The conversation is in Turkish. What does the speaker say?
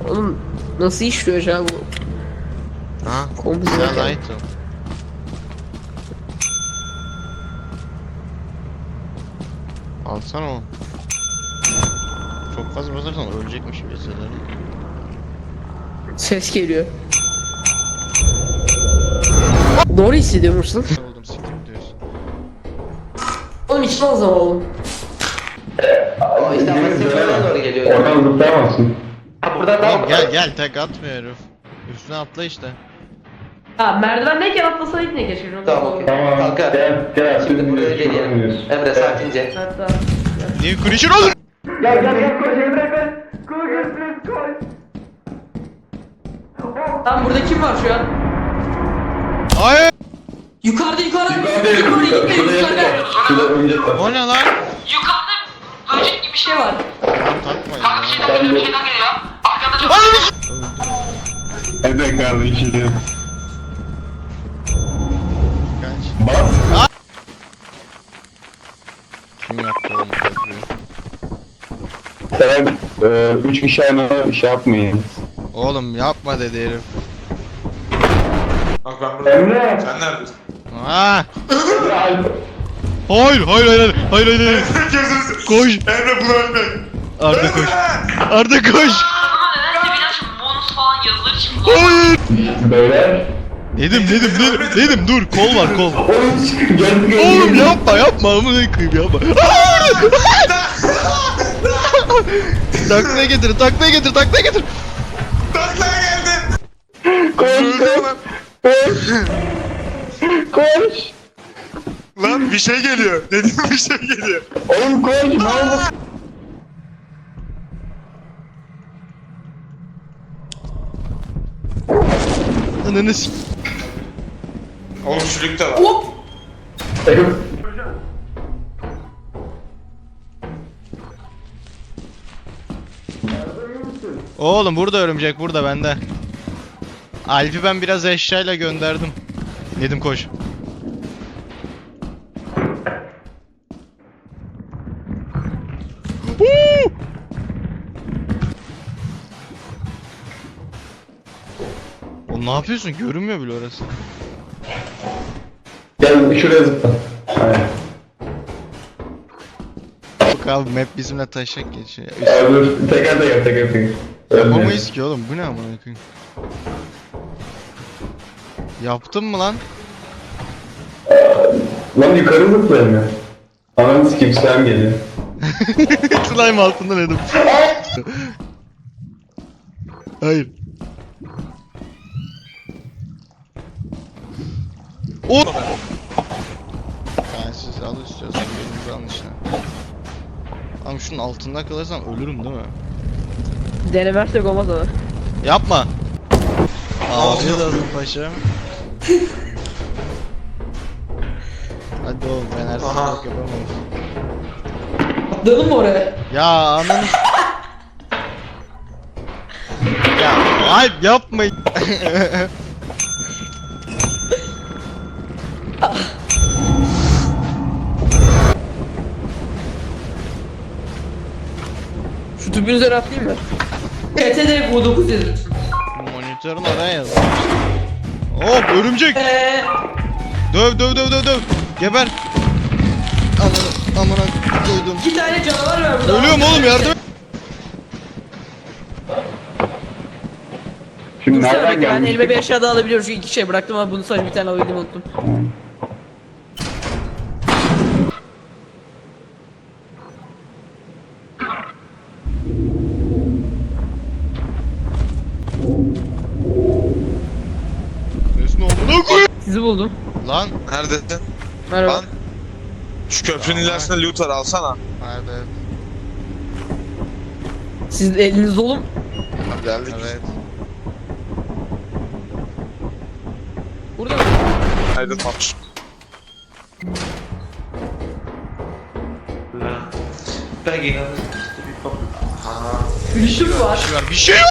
Oğlum nasıl işliyor acaba bu? Ha? Komple Güzel zaten. item. Alsana o. Çok fazla basarsan ölecekmiş gibi hissederim. Ses geliyor. Doğru hissediyor musun? Oldum siktir diyorsun. Oğlum içme o zaman oğlum. O işte ama sırtlarına doğru geliyor. Oradan zıplayamazsın. Ha buradan daha Oğlum gel tek atmıyor herif. Üstüne atla işte. Ha merdivendeyken atlasaydın ne keşke. Tamam okey. Tamam. Kanka. Gel. Şimdi buraya gelelim. Emre sakince. Hatta. New creature olur. Gel koş Emre be. Koş. Tam burada kim var şu an? Hayır. Yukarıda yukarıda gitme Şurada önce tak. O ne lan? Yukarıda böcek gibi bir şey var. Takmayın ya. Ben de Ananı evet kardeşim. Kaç. Bas. Kim yaptı oğlum bu köprüyü? Sen 3 kişi aynı şey yapmayın. Oğlum yapma dedi herif. Bak ben buradayım. Emre. Sen neredesin? Ha. Emre. Hayır. Gözünüzü. Koş. Emre bunu ölme. Arda koş. Arda koş. Nedense biraz bonus falan yazılır şimdi. Hayır. Beyler. Nedim dur kol var kol. Oğlum çıkın geldi. Oğlum yapma amına koyayım yapma. Taklaya getir. Taklaya geldin. Koş. Lan bir şey geliyor. Dedim bir şey geliyor. Oğlum koş. Ne oldu? Ananı s***. Oğlum çürükte var. Oğlum burada örümcek burada bende. Alp'i ben biraz eşyayla gönderdim. Nedim koş. Oğlum ne yapıyorsun? Görünmüyor bile orası. Gel şuraya zıpla. Aynen. Bak abi map bizimle taşak geçiyor. Ya. Dur. Teker. Yapamayız ki oğlum. Bu ne amına koyayım? Yaptın mı lan? Lan yukarı zıplayamıyor. Ananı sikeyim slime geliyor. Slime altında Nedim. Hayır. O. Yani siz al istiyorsan birinizi alın işte. Ama şunun altında kalırsam ölürüm değil mi? Denemersek olmaz ama. Yapma. Afiyet olsun paşam. Hadi oğlum ben her Aha. sabah yapamam. Atlayalım mı oraya? Ya ananı. Ya Alp yapma. Şu tüpün üzerine atlayayım mı? TTD bu 9 yazıyor. Monitörün oraya yaz. Hop örümcek. Döv. Geber. Amına koydum. 2 tane canavar var burada. Ölüyorum oğlum yardım et. Şimdi Dursana nereden bekle ben gelmiş? elime bir eşya daha alabiliyorum çünkü 2 şey bıraktım ama bunu sadece bir tane alabildim unuttum. Nesin amına koyayım. Sizi buldum. Lan. Neredesin? Merhaba. Lan. Şu köprünün ilerisinde loot var alsana. Nerede? Siz de eliniz dolu mu? Tamam geldik. Evet. Burada mı? Aydınlatmış. Ben inanırım. Gülüşüm var. Bir şey yok.